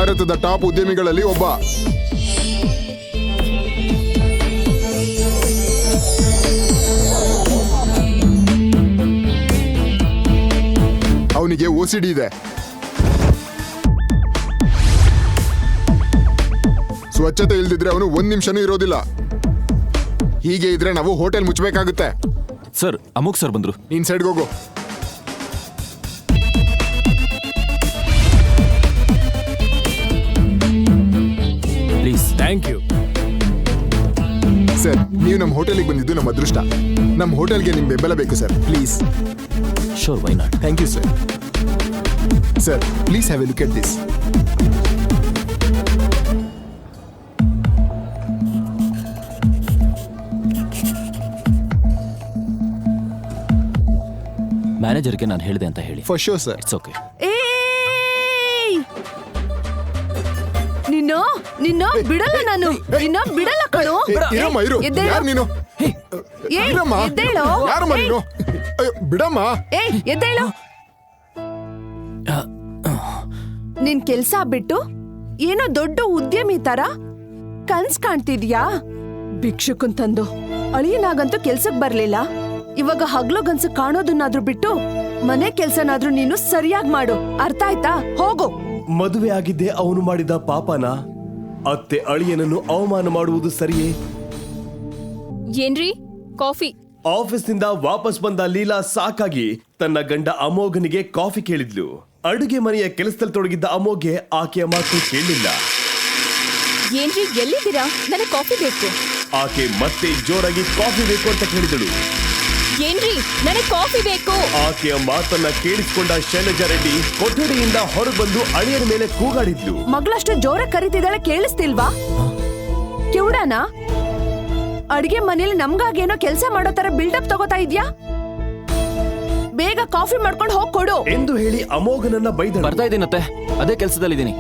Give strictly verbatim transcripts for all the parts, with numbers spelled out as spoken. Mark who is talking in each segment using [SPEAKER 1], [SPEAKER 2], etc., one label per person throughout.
[SPEAKER 1] ಭಾರತದ ಟಾಪ್ ಉದ್ಯಮಿಗಳಲ್ಲಿ ಒಬ್ಬ. ಅವನಿಗೆ ಓಸಿಡಿ ಇದೆ. ಸ್ವಚ್ಛತೆ ಇಲ್ದಿದ್ರೆ ಅವನು ಒಂದ್ ನಿಮಿಷನೂ ಇರೋದಿಲ್ಲ. ಹೀಗೆ ಇದ್ರೆ ನಾವು ಹೋಟೆಲ್ ಮುಚ್ಚಬೇಕಾಗುತ್ತೆ.
[SPEAKER 2] ಸರ್, ಅಮೋಘ್ ಸರ್ ಬಂದ್ರು.
[SPEAKER 1] ನೀನ್ ಸೈಡ್ಗೆ ಹೋಗು.
[SPEAKER 2] ಪ್ಲೀಸ್.
[SPEAKER 3] ಥ್ಯಾಂಕ್ ಯು
[SPEAKER 1] ಸರ್, ನೀವು ನಮ್ಮ ಹೋಟೆಲಿಗೆ ಬಂದಿದ್ದು ನಮ್ಮ ಅದೃಷ್ಟ. ನಮ್ಮ ಹೋಟೆಲ್ಗೆ ನಿಮ್ ಬೆಂಬಲ ಬೇಕು sir, please.
[SPEAKER 2] Sure, why not?
[SPEAKER 1] Thank you sir. Sir, please have a look at this.
[SPEAKER 2] ಮ್ಯಾನೇಜರ್ಗೆ ನಾನು ಹೇಳಿದೆ ಅಂತ ಹೇಳಿ.
[SPEAKER 1] For sure sir.
[SPEAKER 2] It's okay.
[SPEAKER 4] ನಿನ್ನ ನಿನ್ನ ಬಿಡಲ್ಲ ನಾನು. ನಿನ್ನ ಬಿಡಲ್ಲ ಕಣೋ.
[SPEAKER 1] ಇರಮ್ಮ, ಇರು. ಯಾರು ನೀನು? ಇರಮ್ಮ. ಯಾರಮ್ಮ ನೀನು? ಅಯ್ಯೋ, ಬಿಡಮ್ಮ.
[SPEAKER 4] ಏ, ಎದ್ದೇಳು. ನಿನ್ ಕೆಲ್ಸ ಬಿಟ್ಟು ಏನೋ ದೊಡ್ಡ ಉದ್ಯಮಿ ತರ ಕನ್ಸ್ ಕಾಣ್ತಿದ್ಯಾ? ಭಿಕ್ಷುಕನ್ ತಂದು ಅಳಿಯನಾಗಂತೂ ಕೆಲ್ಸಕ್ ಬರ್ಲಿಲ್ಲ. ಇವಾಗ ಹಗ್ಲು ಗನ್ಸು ಕಾಣೋದನ್ನಾದ್ರೂ ಬಿಟ್ಟು ಮನೆ ಕೆಲ್ಸನಾದ್ರೂ ನೀನು ಸರಿಯಾಗಿ ಮಾಡು. ಅರ್ಥ ಆಯ್ತಾ? ಹೋಗು.
[SPEAKER 5] ಮದುವೆ ಆಗಿದ್ದೆ ಅವನು ಮಾಡಿದ ಪಾಪನ. ಅತ್ತೆ ಅಳಿಯನನ್ನು ಅವಮಾನ ಮಾಡುವುದು ಸರಿಯೇ?
[SPEAKER 6] ಏನ್ರಿ ಕಾಫಿ?
[SPEAKER 5] ಆಫೀಸ್ನಿಂದ ವಾಪಸ್ ಬಂದ ಲೀಲಾ ಸಾಕಾಗಿ ತನ್ನ ಗಂಡ ಅಮೋಘನಿಗೆ ಕಾಫಿ ಕೇಳಿದ್ಲು. ಅಡುಗೆ ಮನೆಯ ಕೆಲಸದಲ್ಲಿ ತೊಡಗಿದ್ದ ಅಮೋಘ್ಗೆ ಆಕೆಯ ಮಾತು ಕೇಳಲಿಲ್ಲ.
[SPEAKER 6] ಏನ್ರಿ, ಎಲ್ಲಿದ್ದೀರಾ? ನನಗೆ ಕಾಫಿ ಬೇಕು.
[SPEAKER 5] ಆಕೆ ಮತ್ತೆ ಜೋರಾಗಿ ಕಾಫಿ ಬೇಕು ಅಂತ ಕೇಳಿದಳು.
[SPEAKER 6] ಏನ್ರಿ, ನನಗೆ ಕಾಫಿ ಬೇಕು.
[SPEAKER 5] ಆಕೆಯ ಮಾತನ್ನ ಕೇಳಿಸಿಕೊಂಡ ಶೈಲಜಾ ರೆಡ್ಡಿ ಕೊಠಡಿಯಿಂದ ಹೊರಬಂದು ಅಳಿಯರ ಮೇಲೆ ಕೂಗಾಡಿದ್ಲು.
[SPEAKER 4] ಮಗಳಷ್ಟು ಜೋರ ಕರಿತಿದ್ದಾಳೆ, ಕೇಳಿಸ್ತಿಲ್ವಾ? ಕಿವುಡನ ಅಡಿಗೆ ಮನೇಲಿ ನಮ್ಗಾಗೇನೋ ಕೆಲಸ ಮಾಡೋ ತರ ಬಿಲ್ಡಪ್ ತಗೋತಾ ಇದ್ಯಾ? ಬೇಗ ಕಾಫಿ ಮಾಡ್ಕೊಂಡು ಹೋಗ್ ಕೊಡು
[SPEAKER 5] ಎಂದು ಹೇಳಿ ಅಮೋಘನನ್ನ ಬೈದಳು.
[SPEAKER 2] ಬರ್ತಾ ಇದ್ದೀನತ್ತೆ, ಅದೇ ಕೆಲಸದಲ್ಲಿದ್ದೀನಿ.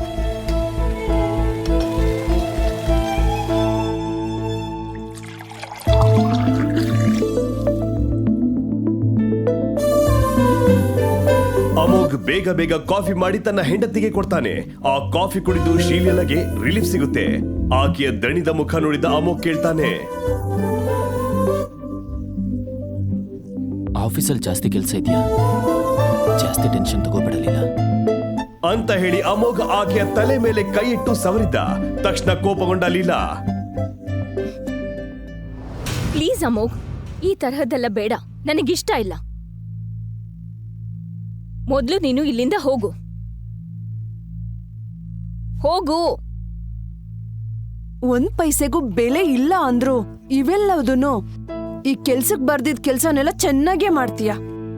[SPEAKER 5] ಅಮೋಘ್ ಬೇಗ ಬೇಗ ಕಾಫಿ ಮಾಡಿ ತನ್ನ ಹೆಂಡತಿಗೆ ಕೊಡ್ತಾನೆ. ಆ ಕಾಫಿ ಕುಡಿದು ಶೀಲಗೆ ರಿಲೀಫ್ ಸಿಗುತ್ತೆ. ಆಕೆಯ ದಣಿದ ಮುಖ ನೋಡಿದ ಅಮೋಘ್ ಕೇಳ್ತಾನೆ,
[SPEAKER 2] ಆಫೀಸಲ್ಲಿ ಜಾಸ್ತಿ ಕೆಲಸ ಇದೆಯಾ? ಜಾಸ್ತಿ ಟೆನ್ಷನ್ ತಗೋಬಿಡಲಿಲ್ಲ
[SPEAKER 5] ಅಂತ ಹೇಳಿ ಅಮೋಘ್ ಆಕೆಯ ತಲೆ ಮೇಲೆ ಕೈ ಇಟ್ಟು ಸವರಿದ್ದ. ತಕ್ಷಣ ಕೋಪಗೊಂಡ ಲೀಲಾ,
[SPEAKER 6] ಪ್ಲೀಸ್ ಅಮೋಘ್, ಈ ತರಹದ್ದೆಲ್ಲ ಬೇಡ, ನನಗಿಷ್ಟ ಇಲ್ಲ. ಮೊದ್ಲು ನೀನು ಇಲ್ಲಿಂದ ಹೋಗು. ಹೋಗು.
[SPEAKER 4] ಒಂದ್ ಪೈಸೆಗೂ ಬೆಲೆ ಇಲ್ಲ ಅಂದ್ರು ಇವೆಲ್ಲದನ್ನು ಈ ಕೆಲ್ಸಕ್ ಬರ್ದಿದ್ ಕೆಲ್ಸನೆಲ್ಲ ಚೆನ್ನಾಗೇ ಮಾಡ್ತೀಯ.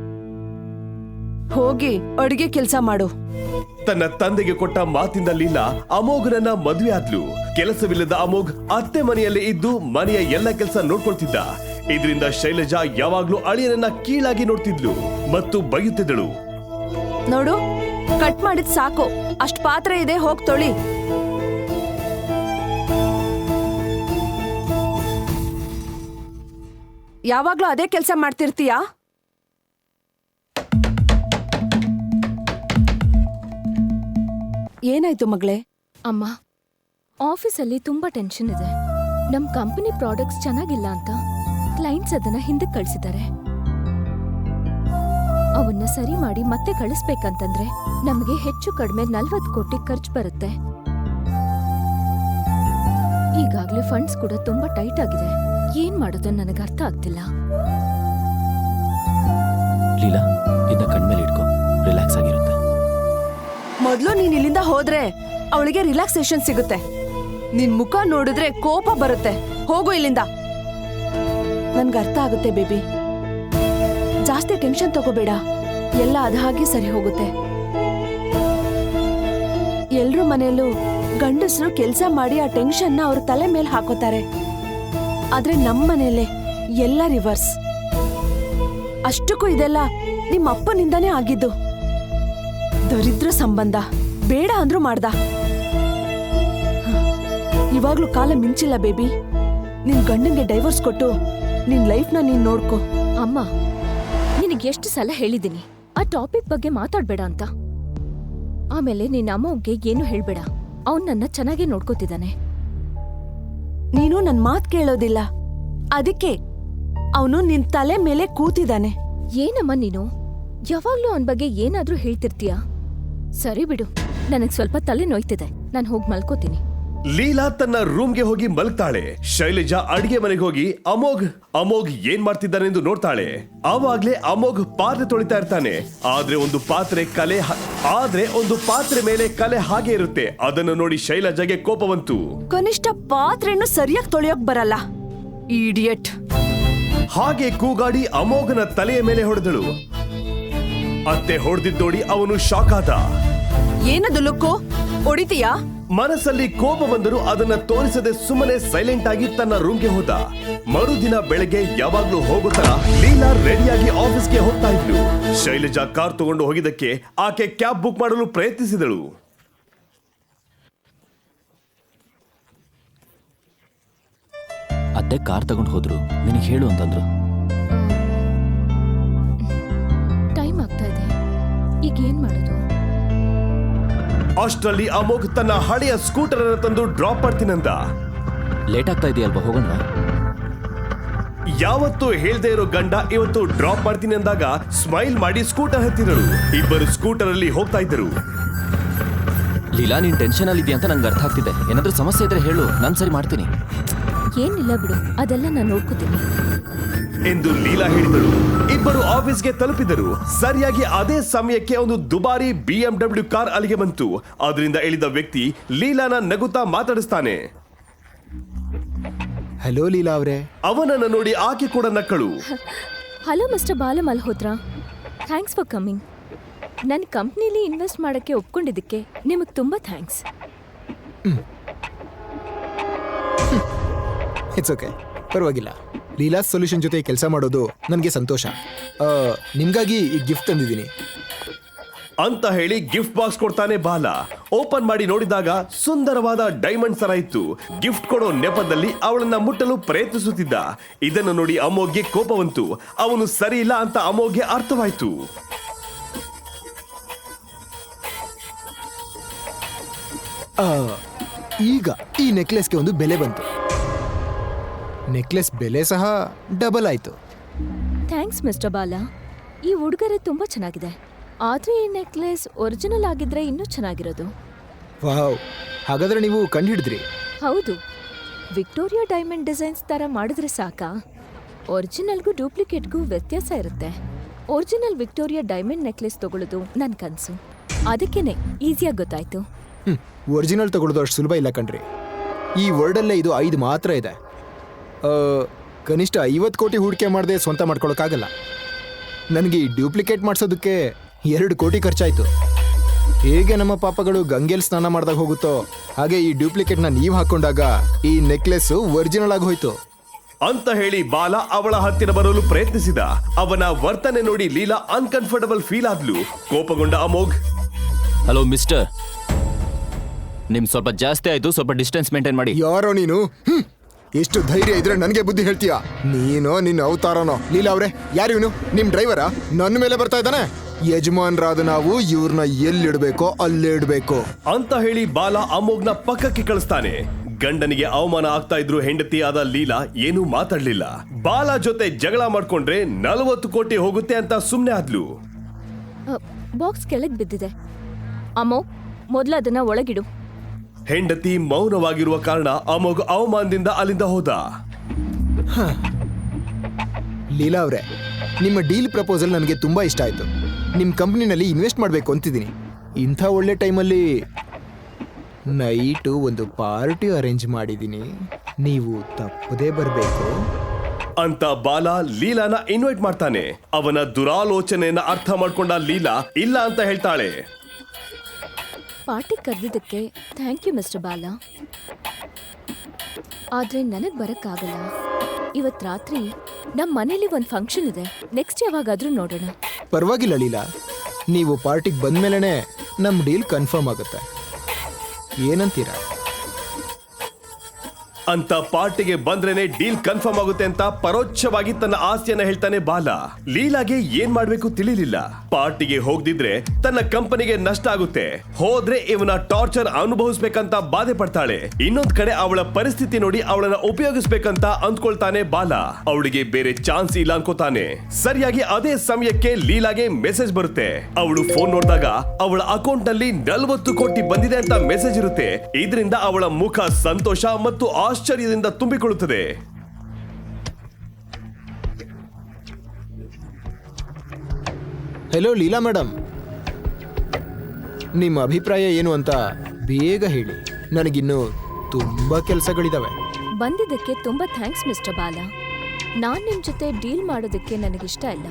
[SPEAKER 4] ಹೋಗಿ ಅಡಿಗೆ ಕೆಲ್ಸ ಮಾಡು.
[SPEAKER 5] ತನ್ನ ತಂದೆಗೆ ಕೊಟ್ಟ ಮಾತಿಂದ ಲೀಲಾ ಅಮೋಘನನ್ನ ಮದುವೆ ಆದ್ಲು. ಕೆಲಸವಿಲ್ಲದ ಅಮೋಘ್ ಅತ್ತೆ ಮನೆಯಲ್ಲೇ ಇದ್ದು ಮನೆಯ ಎಲ್ಲ ಕೆಲಸ ನೋಡ್ಕೊಳ್ತಿದ್ದ. ಇದರಿಂದ ಶೈಲಜಾ ಯಾವಾಗ್ಲೂ ಅಳಿಯನನ್ನ ಕೀಳಾಗಿ ನೋಡ್ತಿದ್ಲು ಮತ್ತು ಬೈಯುತ್ತಿದ್ದಳು.
[SPEAKER 4] ನೋಡು, ಕಟ್ ಮಾಡಿದ್ ಸಾಕು, ಅಷ್ಟ್ ಪಾತ್ರೆ ಇದೆ, ಹೋಗ್ ತೊಳಿ. ಯಾವಾಗ್ಲೂ ಅದೇ ಕೆಲ್ಸ ಮಾಡ್ತಿರ್ತೀಯಾ? ಏನಾಯ್ತು ಮಗಳೇ?
[SPEAKER 6] ಅಮ್ಮ, ಆಫೀಸಲ್ಲಿ ತುಂಬಾ ಟೆನ್ಷನ್ ಇದೆ. ನಮ್ ಕಂಪನಿ ಪ್ರಾಡಕ್ಟ್ಸ್ ಚೆನ್ನಾಗಿಲ್ಲ ಅಂತ ಕ್ಲೈಂಟ್ಸ್ ಅದನ್ನ ಹಿಂದಕ್ಕೆ ಕಳಿಸಿದ್ದಾರೆ. ಅವನ್ನ ಸರಿ ಮಾಡಿ ಮತ್ತೆ ಕಳಿಸ್ಬೇಕಂತಂದ್ರೆ ನಮಗೆ ಹೆಚ್ಚು ಕಡಿಮೆ ನಲ್ವತ್ತು ಕೋಟಿ ಖರ್ಚು ಬರುತ್ತೆ. ಈಗಾಗ್ಲೇ ಫಂಡ್ಸ್ ಕೂಡ ತುಂಬಾ ಟೈಟ್ ಆಗಿದೆ. ಏನ್ ಮಾಡೋದು ನನಗೆ ಅರ್ಥ ಆಗ್ತಿಲ್ಲ.
[SPEAKER 2] ಲೀಲಾ, ಇದನ್ನ ಕಣ್ಮೇಲೆ ಇಟ್ಕೋ, ರಿಲ್ಯಾಕ್ಸ್ ಆಗಿರುತ್ತೆ.
[SPEAKER 4] ಮೊದ್ಲು ನೀನ್ ಇಲ್ಲಿಂದ ಹೋದ್ರೆ ಅವಳಿಗೆ ರಿಲ್ಯಾಕ್ಸೇಷನ್ ಸಿಗುತ್ತೆ. ನಿನ್ ಮುಖ ನೋಡಿದ್ರೆ ಕೋಪ ಬರುತ್ತೆ. ಹೋಗು ಇಲ್ಲಿಂದ. ನನ್ಗೆ ಅರ್ಥ ಆಗುತ್ತೆ ಬೇಬಿ, ಜಾಸ್ತಿ ಟೆನ್ಷನ್ ತಗೋಬೇಡ, ಎಲ್ಲ ಅದ ಹಾಗೆ ಸರಿ ಹೋಗುತ್ತೆ. ಎಲ್ರೂ ಮನೆಯಲ್ಲೂ ಗಂಡಸರು ಕೆಲ್ಸ ಮಾಡಿ ಆ ಟೆನ್ಷನ್ನ ಅವ್ರ ತಲೆ ಮೇಲೆ ಹಾಕೋತಾರೆ. ಆದ್ರೆ ನಮ್ಮ ಮನೆಯಲ್ಲೇ ಎಲ್ಲ ರಿವರ್ಸ್. ಅಷ್ಟಕ್ಕೂ ಇದೆಲ್ಲ ನಿಮ್ಮ ಅಪ್ಪನಿಂದಾನೇ ಆಗಿದ್ದು. ದರಿದ್ರ ಸಂಬಂಧ, ಬೇಡ ಅಂದ್ರೂ ಮಾಡ್ದ. ಇವಾಗ್ಲೂ ಕಾಲ ಮಿಂಚಿಲ್ಲ ಬೇಬಿ. ನಿನ್ ಗಂಡಂಗೆ ಡೈವರ್ಸ್ ಕೊಟ್ಟು ನಿನ್ ಲೈಫ್ನ ನೀನ್ ನೋಡ್ಕೋ.
[SPEAKER 6] ಅಮ್ಮ, ನಿನಗೆ ಎಷ್ಟು ಸಲ ಹೇಳಿದ್ದೀನಿ ಆ ಟಾಪಿಕ್ ಬಗ್ಗೆ ಮಾತಾಡ್ಬೇಡ ಅಂತ. ಆಮೇಲೆ ನಿನ್ನ ಅಮ್ಮವ್ಗೆ ಏನು ಹೇಳ್ಬೇಡ. ಅವ್ನ್ ನನ್ನ ಚೆನ್ನಾಗೇ ನೋಡ್ಕೋತಿದ್ದಾನೆ.
[SPEAKER 4] ನೀನು ನನ್ ಮಾತ್ ಕೇಳೋದಿಲ್ಲ, ಅದಕ್ಕೆ ಅವನು ನಿನ್ ತಲೆ ಮೇಲೆ ಕೂತಿದ್ದಾನೆ.
[SPEAKER 6] ಏನಮ್ಮ ನೀನು ಯಾವಾಗ್ಲೂ ಅವನ್ ಬಗ್ಗೆ ಏನಾದ್ರೂ ಹೇಳ್ತಿರ್ತೀಯ. ಸರಿ ಬಿಡು, ನನಗ್ ಸ್ವಲ್ಪ ತಲೆ ನೋಯ್ತಿದೆ, ನಾನ್ ಹೋಗಿ ಮಲ್ಕೋತೀನಿ.
[SPEAKER 5] ಲೀಲಾ ತನ್ನ ರೂಮ್ಗೆ ಹೋಗಿ ಮಲಗ್ತಾಳೆ. ಶೈಲಜಾ ಅಡಿಗೆ ಮನೆಗೆ ಹೋಗಿ ಅಮೋಘ್ ಅಮೋಘ್ ಏನ್ ಮಾಡ್ತಿದ್ದಾನೆಂದು ನೋಡ್ತಾಳೆ. ಆವಾಗ್ಲೇ ಅಮೋಘ್ ಪಾತ್ರೆ ತೊಳಿತಾ ಇರ್ತಾನೆ. ಆದ್ರೆ ಒಂದು ಪಾತ್ರೆ ಕಲೆ ಹ- ಆದ್ರೆ ಒಂದು ಪಾತ್ರೆ ಮೇಲೆ ಕಲೆ ಹಾಗೆ ಇರುತ್ತೆ. ಅದನ್ನು ನೋಡಿ ಶೈಲಜಾಗೆ ಕೋಪ ಬಂತು.
[SPEAKER 4] ಕನಿಷ್ಠ ಪಾತ್ರೆಯನ್ನು ಸರಿಯಾಗಿ ತೊಳೆಯೋಕ್ ಬರಲ್ಲ, ಇಡಿಯಟ್.
[SPEAKER 5] ಹಾಗೆ ಕೂಗಾಡಿ ಅಮೋಘನ ತಲೆಯ ಮೇಲೆ ಹೊಡೆದಳು. ಅತ್ತೆ ಹೊಡೆದಿದ್ದು ನೋಡಿ ಅವನು ಶಾಕ್ ಆದ.
[SPEAKER 4] ಏನದು ಲುಕ್ಕು, ಹೊಡಿತೀಯಾ?
[SPEAKER 5] ಮನಸ್ಸಲ್ಲಿ ಕೋಪ ಬಂದರೂ ಅದನ್ನ ತೋರಿಸದೆ ಸುಮ್ಮನೆ ಸೈಲೆಂಟ್ ಆಗಿ ತನ್ನ ರೂಮ್ಗೆ ಹೋದ. ಮರುದಿನ ಬೆಳಗ್ಗೆ ಯಾವಾಗ್ಲೂ ಹೋಗೋ ತರ ಲೀಲಾ ರೆಡಿಯಾಗಿ ಆಫೀಸ್ಗೆ ಹೋಗ್ತಾ ಇದ್ಲು. ಶೈಲಜಾ ಕಾರ್ ತಗೊಂಡು ಹೋಗಿದ್ದಕ್ಕೆ ಆಕೆ ಕ್ಯಾಬ್ ಬುಕ್ ಮಾಡಲು ಪ್ರಯತ್ನಿಸಿದಳು.
[SPEAKER 2] ಅತ್ತೆ ಕಾರ್ ತಗೊಂಡು ಹೋದ್ರು, ನಿನಗೆ ಹೇಳು ಅಂತಂದ್ರು.
[SPEAKER 6] ಟೈಮ್ ಆಗ್ತಾ ಇದೆ, ಈಗ ಏನ್ ಮಾಡೋದು?
[SPEAKER 5] ಅಷ್ಟರಲ್ಲಿ ಅಮೋಘ್ ತನ್ನ ಹಳೆಯ ಸ್ಕೂಟರ್ ಅನ್ನು ತಂದು ಡ್ರಾಪ್ ಮಾಡ್ತೀನಂದ.
[SPEAKER 2] ಲೇಟ್ ಆಗ್ತಾ ಇದೆಯಲ್ವಾ, ಹೋಗೋಣ.
[SPEAKER 5] ಯಾವತ್ತು ಹೇಳ್ದೇ ಇರೋ ಗಂಡ ಇವತ್ತು ಡ್ರಾಪ್ ಮಾಡ್ತೀನಿ ಅಂದಾಗ ಸ್ಮೈಲ್ ಮಾಡಿ ಸ್ಕೂಟರ್ ಹತ್ತಿದಳು. ಇಬ್ಬರು ಸ್ಕೂಟರ್ ಅಲ್ಲಿ ಹೋಗ್ತಾ ಇದ್ದರು.
[SPEAKER 2] ಲೀಲಾ, ನೀನ್ ಟೆನ್ಷನ್ ಅಲ್ಲಿ ಇದೆಯಾ ಅಂತ ನಂಗೆ ಅರ್ಥ ಆಗ್ತಿದೆ. ಏನಾದ್ರೂ ಸಮಸ್ಯೆ ಇದ್ರೆ ಹೇಳು, ನಾನ್ ಸರಿ ಮಾಡ್ತೀನಿ.
[SPEAKER 6] ಏನಿಲ್ಲ ಬಿಡು, ಅದೆಲ್ಲ ನಾನು ನೋಡ್ಕೋತೀನಿ
[SPEAKER 5] ಎಂದು ಲೀಲಾ ಹೇಳಿದಳು. ಇಬ್ಬರು ಆಫೀಸ್ಗೆ ತಲುಪಿದರು. ಸರಿಯಾಗಿ ಅದೇ ಸಮಯಕ್ಕೆ ಒಂದು ದುಬಾರಿ ಬಿ ಎಂ ಡಬ್ಲ್ಯೂ ಕಾರ್ ಅಲ್ಲಿಗೆ ಬಂತು. ಅದರಿಂದ ಇಳಿದ ವ್ಯಕ್ತಿ ಲೀಲಾನ ನಗುತ್ತಾ ಮಾತಾಡಿಸ್ತಾನೆ.
[SPEAKER 3] ಹಲೋ ಲೀಲಾ ಅವರೇ.
[SPEAKER 5] ಅವನನ್ನ ನೋಡಿ ಆಕೆ ಕೂಡ ನಕ್ಕಳು.
[SPEAKER 6] ಹಲೋ ಮಿಸ್ಟರ್ ಬಾಲ ಮಲ್ಹೋತ್ರಾ, ಥ್ಯಾಂಕ್ಸ್ ಫಾರ್ ಕಮಿಂಗ್. ನನ್ನ ಕಂಪ್ನಿಲಿ ಇನ್ವೆಸ್ಟ್ ಮಾಡೋಕ್ಕೆ ಒಪ್ಕೊಂಡಿದ್ದಕ್ಕೆ ನಿಮಗೆ ತುಂಬ ಥ್ಯಾಂಕ್ಸ್.
[SPEAKER 3] ಇಟ್ಸ್ ಓಕೆ, ಪರವಾಗಿಲ್ಲ. ಲೀಲಾ ಸೊಲ್ಯೂಷನ್ ಜೊತೆ ಕೆಲಸ ಮಾಡೋದು ನನಗೆ ಸಂತೋಷ. ಆ, ನಿಮ್ಗಾಗಿ ಈ ಗಿಫ್ಟ್ ತಂದಿದ್ದೀನಿ
[SPEAKER 5] ಅಂತ ಹೇಳಿ ಗಿಫ್ಟ್ ಬಾಕ್ಸ್ ಕೊಡ್ತಾನೆ ಬಾಲ. ಓಪನ್ ಮಾಡಿ ನೋಡಿದಾಗ ಸುಂದರವಾದ ಡೈಮಂಡ್ ಸರ ಇತ್ತು. ಗಿಫ್ಟ್ ಕೊಡೋ ನೆಪದಲ್ಲಿ ಅವಳನ್ನ ಮುಟ್ಟಲು ಪ್ರಯತ್ನಿಸುತ್ತಿದ್ದ. ಇದನ್ನು ನೋಡಿ ಅಮೋಘ್ಗೆ ಕೋಪ ಬಂತು. ಅವನು ಸರಿ ಇಲ್ಲ ಅಂತ ಅಮೋಘ್ಗೆ ಅರ್ಥವಾಯ್ತು.
[SPEAKER 3] ಆ, ಈಗ ಈ ನೆಕ್ಲೆಸ್ಗೆ ಒಂದು ಬೆಲೆ ಬಂತು. ನೆಕ್ಲೆಸ್ ಬೆಲೆ ಸಹ ಡಬಲ್ ಆಯ್ತು.
[SPEAKER 6] ಥ್ಯಾಂಕ್ಸ್ ಮಿಸ್ಟರ್ ಬಾಲ, ಈ ಉಡುಗೊರೆ ತುಂಬ ಚೆನ್ನಾಗಿದೆ. ಆದರೆ ಈ ನೆಕ್ಲೆಸ್ ಒರಿಜಿನಲ್ ಆಗಿದ್ರೆ ಇನ್ನೂ ಚೆನ್ನಾಗಿರೋದು.
[SPEAKER 3] ವಾವ್, ಹಾಗಾದ್ರೆ ನೀವು ಕಂಡು ಹಿಡಿದ್ರಿ?
[SPEAKER 6] ಹೌದು, ವಿಕ್ಟೋರಿಯಾ ಡೈಮಂಡ್ ಡಿಸೈನ್ಸ್ ಥರ ಮಾಡಿದ್ರೆ ಸಾಕಾ? ಒರಿಜಿನಲ್ಗೂ ಡೂಪ್ಲಿಕೇಟ್ಗೂ ವ್ಯತ್ಯಾಸ ಇರುತ್ತೆ. ಒರಿಜಿನಲ್ ವಿಕ್ಟೋರಿಯಾ ಡೈಮಂಡ್ ನೆಕ್ಲೆಸ್ ತಗೊಳ್ಳೋದು ನನ್ನ ಕನಸು. ಅದಕ್ಕೇನೆ ಈಸಿಯಾಗಿ ಗೊತ್ತಾಯ್ತು.
[SPEAKER 3] ಹ್ಞೂ ಒರಿಜಿನಲ್ ತಗೊಳ್ಳೋದು ಅಷ್ಟು ಸುಲಭ ಇಲ್ಲ ಕಣ್ರಿ. ಈ ವರ್ಲ್ಡಲ್ಲೇ ಇದು ಐದು ಮಾತ್ರ ಇದೆ. ಆ, ಕನಿಷ್ಠ ಐವತ್ತು ಕೋಟಿ ಹೂಡಿಕೆ ಮಾಡದೆ ಸ್ವಂತ ಮಾಡ್ಕೊಳಕ್ಕಾಗಲ್ಲ. ನನಗೆ ಈ ಡ್ಯೂಪ್ಲಿಕೇಟ್ ಮಾಡಿಸೋದಕ್ಕೆ ಎರಡು ಕೋಟಿ ಖರ್ಚಾಯಿತು. ಹೇಗೆ ನಮ್ಮ ಪಾಪಗಳು ಗಂಗೆಲ್ ಸ್ನಾನ ಮಾಡಿದಾಗ ಹೋಗುತ್ತೋ ಹಾಗೆ ಈ ಡ್ಯೂಪ್ಲಿಕೇಟ್ನ ನೀವು ಹಾಕೊಂಡಾಗ ಈ ನೆಕ್ಲೆಸ್ಸು ಒರಿಜಿನಲ್ ಆಗಿ ಹೋಯ್ತು
[SPEAKER 5] ಅಂತ ಹೇಳಿ ಬಾಲ ಅವಳ ಹತ್ತಿರ ಬರಲು ಪ್ರಯತ್ನಿಸಿದ. ಅವನ ವರ್ತನೆ ನೋಡಿ ಲೀಲಾ ಅನ್ಕಂಫರ್ಟಬಲ್ ಫೀಲ್ ಆದ್ಲು. ಕೋಪಗೊಂಡ ಅಮೋಘ್,
[SPEAKER 2] ಹಲೋ ಮಿಸ್ಟರ್, ನಿಮ್ ಸ್ವಲ್ಪ ಜಾಸ್ತಿ ಆಯ್ತು, ಸ್ವಲ್ಪ ಡಿಸ್ಟೆನ್ಸ್ ಮೇಂಟೈನ್ ಮಾಡಿ.
[SPEAKER 1] ಯಾರೋ ನೀನು? ಹ್ಮ್. ಎಷ್ಟು ಧೈರ್ಯ ಇದ್ರೆ ನನಗೆ ಬುದ್ಧಿ ಹೇಳ್ತೀಯಾ? ನೀನೋ ನಿನ್ನ ಅವತಾರನೋ? ಲೀಲಾ ಅವ್ರೆ, ಯಾರು ಇವನು? ನಿಮ್ ಡ್ರೈವರಾ? ನನ್ನ ಮೇಲೆ ಬರ್ತಾ ಇದ್ದಾನೆ. ಯಜಮಾನ್ರಾದ ನಾವು ಇವ್ರನ್ನ ಎಲ್ಲಿಡ್ಬೇಕೋ ಅಲ್ಲೇ ಇಡ್ಬೇಕು
[SPEAKER 5] ಅಂತ ಹೇಳಿ ಬಾಲ ಅಮೋಘ್ನ ಪಕ್ಕಕ್ಕೆ ಕಳಿಸ್ತಾನೆ. ಗಂಡನಿಗೆ ಅವಮಾನ ಆಗ್ತಾ ಇದ್ರು ಹೆಂಡತಿಯಾದ ಲೀಲಾ ಏನೂ ಮಾತಾಡ್ಲಿಲ್ಲ. ಬಾಲ ಜೊತೆ ಜಗಳ ಮಾಡ್ಕೊಂಡ್ರೆ ನಲವತ್ತು ಕೋಟಿ ಹೋಗುತ್ತೆ ಅಂತ ಸುಮ್ನೆ ಆದ್ಲು.
[SPEAKER 6] ಬಾಕ್ಸ್ ಕೆಳಗೆ ಬಿದ್ದಿದೆ. ಅಮ್ಮೋ, ಮೊದಲು ಅದನ್ನ ಒಳಗಿಡು.
[SPEAKER 5] ಹೆಂಡತಿ ಮೌನವಾಗಿರುವ ಕಾರಣ ಅಮೋಘ್ ಅವಮಾನದಿಂದ ಅಲ್ಲಿಂದ ಹೋದ.
[SPEAKER 3] ಲೀಲಾ ಅವರೇ, ನಿಮ್ಮ ಡೀಲ್ ಪ್ರಪೋಸಲ್ ನನಗೆ ತುಂಬ ಇಷ್ಟ ಆಯಿತು. ನಿಮ್ಮ ಕಂಪ್ನಿನಲ್ಲಿ ಇನ್ವೆಸ್ಟ್ ಮಾಡಬೇಕು ಅಂತಿದ್ದೀನಿ. ಇಂಥ ಒಳ್ಳೆ ಟೈಮಲ್ಲಿ ನೈಟು ಒಂದು ಪಾರ್ಟಿ ಅರೇಂಜ್ ಮಾಡಿದ್ದೀನಿ, ನೀವು ತಪ್ಪದೇ ಬರಬೇಕು
[SPEAKER 5] ಅಂತ ಬಾಲ ಲೀಲಾನ ಇನ್ವೈಟ್ ಮಾಡ್ತಾನೆ. ಅವನ ದುರಾಲೋಚನೆಯನ್ನ ಅರ್ಥ ಮಾಡ್ಕೊಂಡ ಲೀಲಾ ಇಲ್ಲ ಅಂತ ಹೇಳ್ತಾಳೆ.
[SPEAKER 6] ಪಾರ್ಟಿ ಕರೆದಿದ್ದಕ್ಕೆ ಥ್ಯಾಂಕ್ ಯು ಮಿಸ್ಟರ್ ಬಾಲ, ಆದರೆ ನನಗೆ ಬರೋಕ್ಕಾಗಲ್ಲ. ಇವತ್ತು ರಾತ್ರಿ ನಮ್ಮ ಮನೇಲಿ ಒಂದು ಫಂಕ್ಷನ್ ಇದೆ. ನೆಕ್ಸ್ಟ್ ಯಾವಾಗಾದ್ರೂ ನೋಡೋಣ.
[SPEAKER 3] ಪರವಾಗಿಲ್ಲ ಲೀಲಾ, ನೀವು ಪಾರ್ಟಿಗೆ ಬಂದಮೇಲೆ ನಮ್ಮ ಡೀಲ್ ಕನ್ಫರ್ಮ್ ಆಗುತ್ತೆ. ಏನಂತೀರಾ?
[SPEAKER 5] ಅಂತ ಪಾರ್ಟಿಗೆ ಬಂದ್ರೇನೆ ಡೀಲ್ ಕನ್ಫರ್ಮ್ ಆಗುತ್ತೆ ಅಂತ ಪರೋಕ್ಷವಾಗಿ ತನ್ನ ಆಸೆಯನ್ನ ಹೇಳ್ತಾನೆ ಬಾಲ. ಲೀಲಾಗೆ ಏನ್ ಮಾಡ್ಬೇಕು ತಿಳಿಲಿಲ್ಲ. ಪಾರ್ಟಿಗೆ ಹೋಗ್ದಿದ್ರೆ ತನ್ನ ಕಂಪನಿಗೆ ನಷ್ಟ ಆಗುತ್ತೆ, ಹೋದ್ರೆ ಇವನ ಟಾರ್ಚರ್ ಅನುಭವಿಸ್ಬೇಕಂತ ಬಾಧೆ ಪಡ್ತಾಳೆ. ಇನ್ನೊಂದ್ ಕಡೆ ಅವಳ ಪರಿಸ್ಥಿತಿ ನೋಡಿ ಅವಳನ್ನ ಉಪಯೋಗಿಸ್ಬೇಕಂತ ಅಂದ್ಕೊಳ್ತಾನೆ ಬಾಲ. ಅವಳಿಗೆ ಬೇರೆ ಚಾನ್ಸ್ ಇಲ್ಲ ಅನ್ಕೋತಾನೆ. ಸರಿಯಾಗಿ ಅದೇ ಸಮಯಕ್ಕೆ ಲೀಲಾಗೆ ಮೆಸೇಜ್ ಬರುತ್ತೆ. ಅವಳು ಫೋನ್ ನೋಡಿದಾಗ ಅವಳ ಅಕೌಂಟ್ ನಲ್ಲಿ ನಲವತ್ತು ಕೋಟಿ ಬಂದಿದೆ ಅಂತ ಮೆಸೇಜ್ ಇರುತ್ತೆ. ಇದರಿಂದ ಅವಳ ಮುಖ ಸಂತೋಷ ಮತ್ತು ಆಶ್ಚರ್ಯದಿಂದ ತುಂಬಿಕೊಳ್ಳುತ್ತದೆ.
[SPEAKER 3] ಹೆಲೋ ಲೀಲಾ ಮೇಡಮ್, ನಿಮ್ಮ ಅಭಿಪ್ರಾಯ ಏನು ಅಂತ ಬೇಗ ಹೇಳಿ. ನನಗಿನ್ನೂ ತುಂಬ ಕೆಲಸಗಳಿದಾವೆ.
[SPEAKER 6] ಬಂದಿದ್ದಕ್ಕೆ ತುಂಬಾ ಥ್ಯಾಂಕ್ಸ್ ಮಿಸ್ಟರ್ ಬಾಲ. ನಾನ್ ನಿಮ್ ಜೊತೆ ಡೀಲ್ ಮಾಡೋದಕ್ಕೆ ನನಗಿಷ್ಟ ಇಲ್ಲ.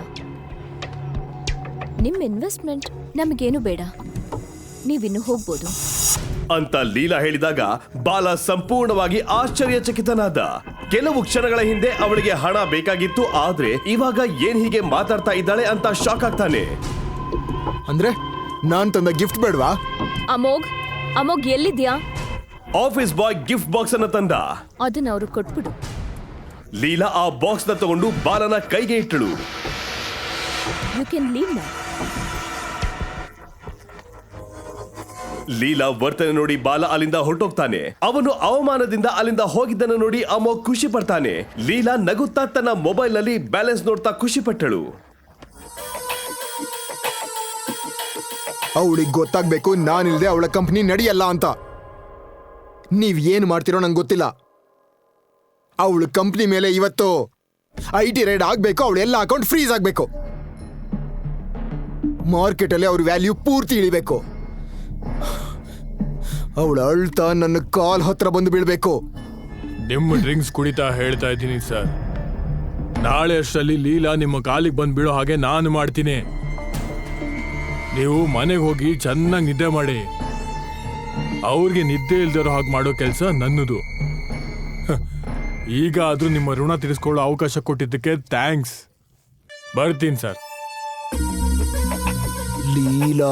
[SPEAKER 6] ನಿಮ್ ಇನ್ವೆಸ್ಟ್ಮೆಂಟ್ ನಮಗೇನು ಬೇಡ, ನೀವಿನ್ನು ಹೋಗ್ಬೋದು
[SPEAKER 5] ಅಂತ ಲೀಲಾ ಹೇಳಿದಾಗ ಬಾಲ ಸಂಪೂರ್ಣವಾಗಿ ಆಶ್ಚರ್ಯಚಕಿತನಾದ. ಕೆಲವು ಕ್ಷಣಗಳ ಹಿಂದೆ ಅವಳಿಗೆ ಹಣ ಬೇಕಾಗಿತ್ತು, ಆದ್ರೆ ಇವಾಗ ಏನ್ ಹೀಗೆ ಮಾತಾಡ್ತಾ ಇದ್ದಾಳೆ ಅಂತ ಶಾಕ್ ಆಗ್ತಾನೆ.
[SPEAKER 3] ಅಂದ್ರೆ ನಾನ್ ತಂದ ಗಿಫ್ಟ್ ಬೇಡವಾ?
[SPEAKER 6] ಅಮೋಘ್ ಅಮೋಘ್ ಎಲ್ಲಿದ್ಯಾ?
[SPEAKER 5] ಆಫೀಸ್ ಬಾಯ್ ಗಿಫ್ಟ್ ಬಾಕ್ಸ್ ಅನ್ನ ತಂದ.
[SPEAKER 6] ಅದನ್ನ ಅವ್ರಿಗೆ ಕೊಟ್ಬಿಡು.
[SPEAKER 5] ಲೀಲಾ ಆ ಬಾಕ್ಸ್ ನ ತಗೊಂಡು ಬಾಲನ ಕೈಗೆ ಇಟ್ಟಳು.
[SPEAKER 6] You can leave now.
[SPEAKER 5] Leela ವರ್ತನೆ ನೋಡಿ ಬಾಲ ಅಲ್ಲಿಂದ ಹೊರಟೋಗ್ತಾನೆ. ಅವನು ಅವಮಾನದಿಂದ ಅಲ್ಲಿಂದ ಹೋಗಿದ್ದನ್ನು ನೋಡಿ ಅಮೋಘ್ ಖುಷಿ ಪಡ್ತಾನೆ. ಲೀಲಾ ನಗುತ್ತಾ ತನ್ನ ಮೊಬೈಲ್ ನಲ್ಲಿ ಬ್ಯಾಲೆನ್ಸ್ ನೋಡ್ತಾ ಖುಷಿ ಪಟ್ಟಳು.
[SPEAKER 1] ಅವಳಿಗೆ ಗೊತ್ತಾಗ್ಬೇಕು ನಾನಿಲ್ದೆ ಅವಳ ಕಂಪ್ನಿ ನಡೆಯಲ್ಲ ಅಂತ. ನೀವ್ ಏನ್ ಮಾಡ್ತಿರೋ ನಂಗೆ ಗೊತ್ತಿಲ್ಲ. ಅವಳ ಕಂಪ್ನಿ ಮೇಲೆ ಇವತ್ತು ಐ ಟಿ ರೈಡ್ ಆಗ್ಬೇಕು, ಅವಳ ಎಲ್ಲ ಅಕೌಂಟ್ ಫ್ರೀಸ್ ಆಗ್ಬೇಕು, ಮಾರ್ಕೆಟ್ ಅಲ್ಲಿ ಅವ್ರ ವ್ಯಾಲ್ಯೂ ಪೂರ್ತಿ ಇಳಿಬೇಕು. ಅವಳು ಅಳ್ತಾ ನನ್ನ ಕಾಲ್ ಹತ್ರ ಬಂದು ಬೀಳ್ಬೇಕು.
[SPEAKER 7] ನಿಮ್ಮ ಡ್ರಿಂಕ್ಸ್ ಕುಡಿತಾ ಹೇಳ್ತಾ ಇದ್ದೀನಿ ಸರ್. ನಾಳೆ ಅಷ್ಟರಲ್ಲಿ ಲೀಲಾ ನಿಮ್ಮ ಕಾಲಿಗೆ ಬಂದು ಬೀಳೋ ಹಾಗೆ ನಾನು ಮಾಡ್ತೀನಿ. ನೀವು ಮನೆಗೆ ಹೋಗಿ ಚೆನ್ನಾಗಿ ನಿದ್ದೆ ಮಾಡಿ. ಅವ್ರಿಗೆ ನಿದ್ದೆ ಇಲ್ದಿರೋ ಹಾಗೆ ಮಾಡೋ ಕೆಲಸ ನನ್ನದು. ಈಗ ಆದ್ರೂ ನಿಮ್ಮ ಋಣ ತೀರಿಸ್ಕೊಳ್ಳೋ ಅವಕಾಶ ಕೊಟ್ಟಿದ್ದಕ್ಕೆ ಥ್ಯಾಂಕ್ಸ್. ಬರ್ತೀನಿ ಸರ್.
[SPEAKER 1] ಲೀಲಾ,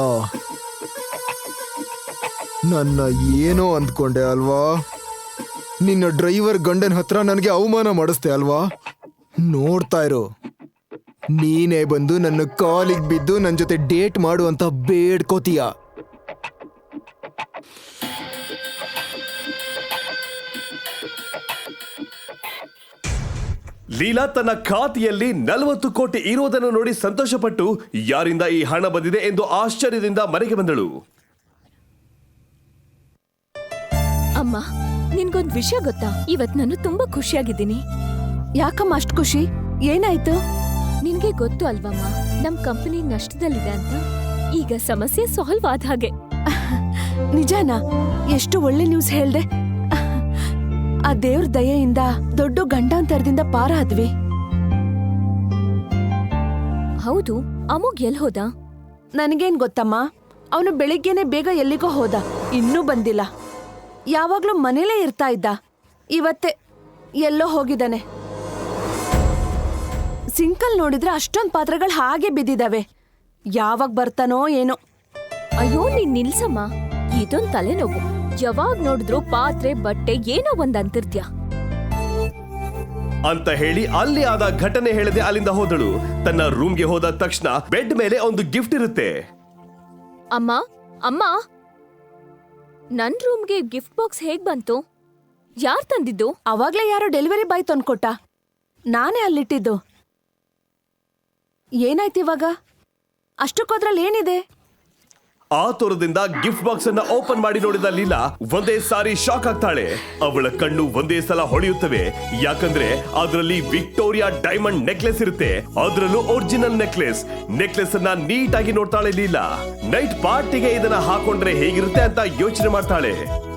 [SPEAKER 1] ನನ್ನ ಏನೋ ಅಂದ್ಕೊಂಡೆ ಅಲ್ವಾ? ನಿನ್ನ ಡ್ರೈವರ್ ಗಂಡನ ಹತ್ರ ನನಗೆ ಅವಮಾನ ಮಾಡಿಸ್ದೆ ಅಲ್ವಾ? ನೋಡ್ತಾ ಇರು, ನೀನೇ ಬಂದು ನನ್ನ ಕಾಲಿಗೆ ಬಿದ್ದು ನನ್ನ ಜೊತೆ ಡೇಟ್ ಮಾಡು ಅಂತ ಬೇಡ್ಕೋತೀಯ.
[SPEAKER 5] ಲೀಲಾ ತನ್ನ ಖಾತೆಯಲ್ಲಿ ನಲವತ್ತು ಕೋಟಿ ಇರೋದನ್ನು ನೋಡಿ ಸಂತೋಷಪಟ್ಟು ಯಾರಿಂದ ಈ ಹಣ ಬಂದಿದೆ ಎಂದು ಆಶ್ಚರ್ಯದಿಂದ ಮನೆಗೆ ಬಂದಳು.
[SPEAKER 6] ಅಮ್ಮ, ನಿನ್ಗೊಂದ್ ವಿಷಯ ಗೊತ್ತಾ? ಇವತ್ ನಾನು ತುಂಬಾ ಖುಷಿಯಾಗಿದ್ದೀನಿ.
[SPEAKER 4] ಯಾಕಮ್ಮ ಅಷ್ಟ್ ಖುಷಿ? ಏನಾಯ್ತು?
[SPEAKER 6] ನಿನ್ಗೆ ಗೊತ್ತು ಅಲ್ವಮ್ಮ, ನಮ್ ಕಂಪನಿ ನಷ್ಟದಲ್ಲಿದೆ ಅಂತ. ಈಗ ಸಮಸ್ಯೆ ಸಾಲ್ವ್ ಆದ ಹಾಗೆ.
[SPEAKER 4] ನಿಜಾನಾ? ಎಷ್ಟು ಒಳ್ಳೆ ನ್ಯೂಸ್ ಹೇಳ್ದೆ. ಆ ದೇವ್ರ ದಯೆಯಿಂದ ದೊಡ್ಡ ಗಂಡಾಂತರದಿಂದ ಪಾರ ಆದ್ವಿ.
[SPEAKER 6] ಹೌದು, ಅಮೋಘ್ ಎಲ್ ಹೋದ?
[SPEAKER 4] ನನಗೇನ್ ಗೊತ್ತಮ್ಮ. ಅವನು ಬೆಳಿಗ್ಗೆನೆ ಬೇಗ ಎಲ್ಲಿಗೋ ಹೋದ, ಇನ್ನೂ ಬಂದಿಲ್ಲ. ಯಾವಾಗ್ಲೂ ಮನೇಲೇ ಇರ್ತಾ ಇದ್ದ, ಇವತ್ತೇ ಎಲ್ಲೋ ಹೋಗಿದ್ದಾನೆ. ಸಿಂಕಲ್ ನೋಡಿದ್ರೆ ಅಷ್ಟೊಂದ್ ಪಾತ್ರೆಗಳು ಹಾಗೆ ಬಿದ್ದಿದಾವೆ. ಯಾವಾಗ ಬರ್ತಾನೋ ಏನೋ.
[SPEAKER 6] ಅಯ್ಯೋ ನೀನ್ ನಿಲ್ಸಮ್ಮ, ಇದೊಂದ್ ತಲೆನೋವು. ಯಾವಾಗ್ ನೋಡಿದ್ರು ಪಾತ್ರೆ ಬಟ್ಟೆ ಏನೋ ಒಂದ್ ಅಂತಿರ್ತ್ಯ
[SPEAKER 5] ಅಂತ ಹೇಳಿ ಅಲ್ಲಿ ಆದ ಘಟನೆ ಹೇಳದೆ ಅಲ್ಲಿಂದ ಹೋದಳು. ತನ್ನ ರೂಮ್ಗೆ ಹೋದ ತಕ್ಷಣ ಬೆಡ್ ಮೇಲೆ ಒಂದು ಗಿಫ್ಟ್ ಇರುತ್ತೆ.
[SPEAKER 6] ಅಮ್ಮ ಅಮ್ಮ ನನ್ ರೂಮ್ಗೆ ಗಿಫ್ಟ್ ಬಾಕ್ಸ್ ಹೇಗ್ ಬಂತು? ಯಾರ್ ತಂದಿದ್ದು?
[SPEAKER 4] ಅವಾಗ್ಲೇ ಯಾರೋ ಡೆಲಿವರಿ ಬಾಯ್ ತಂದ್ಕೊಟ್ಟ, ನಾನೇ ಅಲ್ಲಿಟ್ಟಿದ್ದು. ಏನಾಯ್ತು ಇವಾಗ? ಅಷ್ಟಕ್ಕೋದ್ರಲ್ಲಿ ಏನಿದೆ?
[SPEAKER 5] ಆ ತೋರದಿಂದ ಗಿಫ್ಟ್ ಬಾಕ್ಸ್ ಅನ್ನ ಓಪನ್ ಮಾಡಿ ನೋಡಿದ ಲೀಲಾ ಒಂದೇ ಸಾರಿ ಶಾಕ್ ಆಗ್ತಾಳೆ. ಅವಳ ಕಣ್ಣು ಒಂದೇ ಸಲ ಹೊಳೆಯುತ್ತವೆ, ಯಾಕಂದ್ರೆ ಅದರಲ್ಲಿ ವಿಕ್ಟೋರಿಯಾ ಡೈಮಂಡ್ ನೆಕ್ಲೆಸ್ ಇರುತ್ತೆ. ಅದರಲ್ಲೂ ಒರಿಜಿನಲ್ ನೆಕ್ಲೆಸ್. ನೆಕ್ಲೆಸ್ ಅನ್ನ ನೀಟಾಗಿ ನೋಡ್ತಾಳೆ ಲೀಲಾ. ನೈಟ್ ಪಾರ್ಟಿಗೆ ಇದನ್ನ ಹಾಕೊಂಡ್ರೆ ಹೇಗಿರುತ್ತೆ ಅಂತ ಯೋಚನೆ ಮಾಡ್ತಾಳೆ.